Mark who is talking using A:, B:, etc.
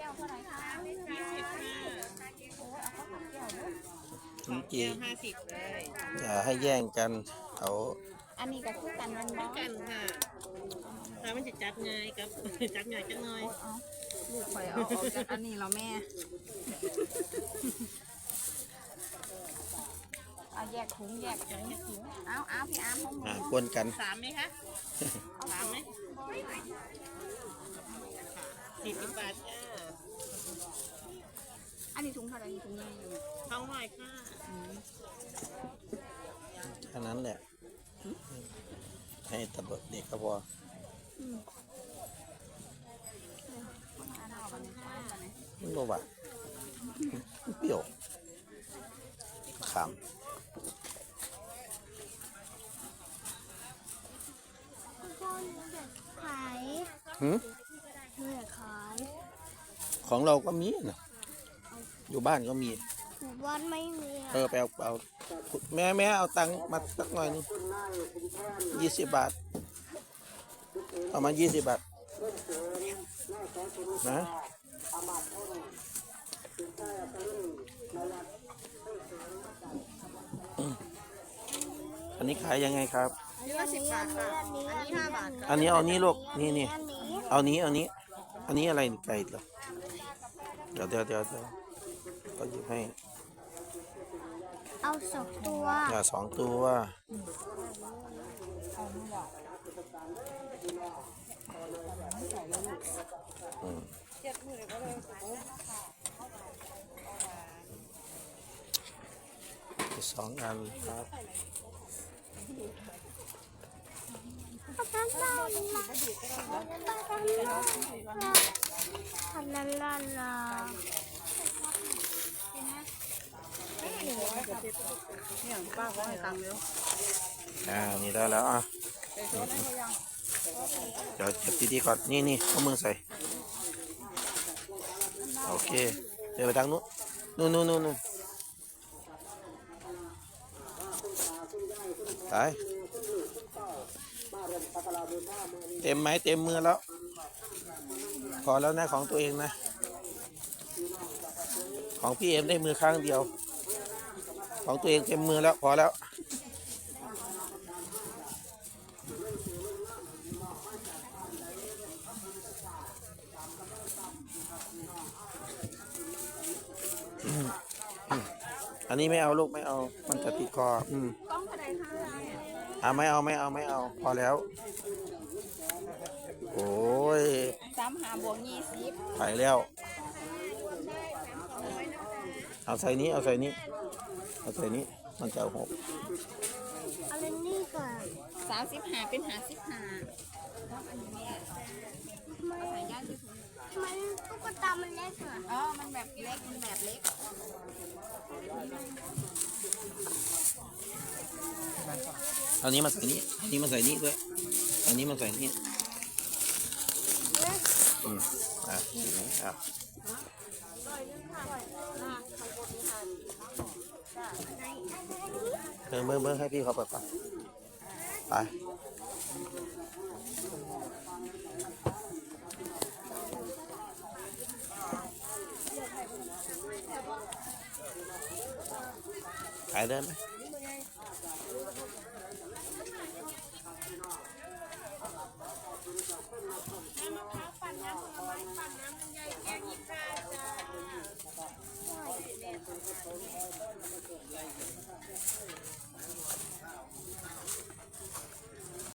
A: ก้วเท่าไหร่คะ
B: 20 ค่ะ
A: โอ้ยเอาข้าวผัดแก้วด้วย
C: จริง
B: แก้ว50เลย
C: ๆอย่าให้แย่งกันเอา
A: อันนี้ก็คือกันมันบ้อง
B: กันค่ะถ้ามันจะจัดง่ายกับ จัดง่ายจังหน่อย
A: เอาลูกข่อยเอาออกจากอันนี้แล้วแม่เอาแยกถุงแยกถุงเอาพี่อาร์มของหนู
C: กวนกัน
B: 3ไหมคะ3ไหม40 บาทจ้า
A: อันนี้ถุงเท่าไหร่ถุงใหญ่อยู่
B: ท้องหน่อยค่ะ
C: แค่นั้นแหละให้ตะเบิดเด็กก็พอ
A: อันเอากันค่ะ
C: มันบ่หวานเปรี้ยวขาม
D: พ่อหนูอยากขาย
C: หืม
D: หนูอยากขาย
C: ของเราก็มีนะอยู่บ้านก็มี
D: หมู่บ้านไม่มีอะ
C: ไปเอาแม่เอาตังค์มาสักหน่อยนึง20 บาทเอามา20 บาทนะอันนี้ขายยังไงครับ
A: อันนี้ก็10 บาทค่ะอันนี้5 บาทค่ะ
C: อันนี้เอานี้ลูกนี่
D: อันนี้
C: เอานี้อันนี้อะไรนี่ไก่เหรอเดี๋ยวก็หยิบให้
D: เอาสองตัว
C: อย่า2 ตัวอืม2 อันครับ
D: ทำนั่นล่ะ
A: เนี่ยป้าขอให้ตังค์เร็ว
C: นี่ได้แล้วอ่ะเดี๋ยวจับดีๆก่อนนี่เอามือใส่โอเคเดี๋ยวไปทางนู้นนู่นไปเต็มไหมเต็มมือแล้วพอแล้วนะของตัวเองนะของพี่เอ็มได้มือข้างเดียวของตัวเองเต็มมือแล้วพอแล้วอันนี้ไม่เอาลูกไม่เอามันจะติดคอก
A: ล้องเท่าไหร่คะ
C: ไม่เอาพอแล้วโอ้ย
A: 35 บวก 20
C: ไปแล้วเอาใส่นี้มันจะเอา6
D: เอาเล่นนี่ก่อน
A: 35เป็น55ต้องอันนี้แม่เอาใส่ย่างที่ถุง
D: ทำไมตุ๊กตามันเล็กอ่ะ
A: มันแบบเล็ก
C: อันนี้มาใส่นี้อันนี้มาใส่นี้ด้วยอันนี้มาใส่นี้อ่ะเบิ่งให้พี่เขาเปิดก่อนไปขายได้ไหม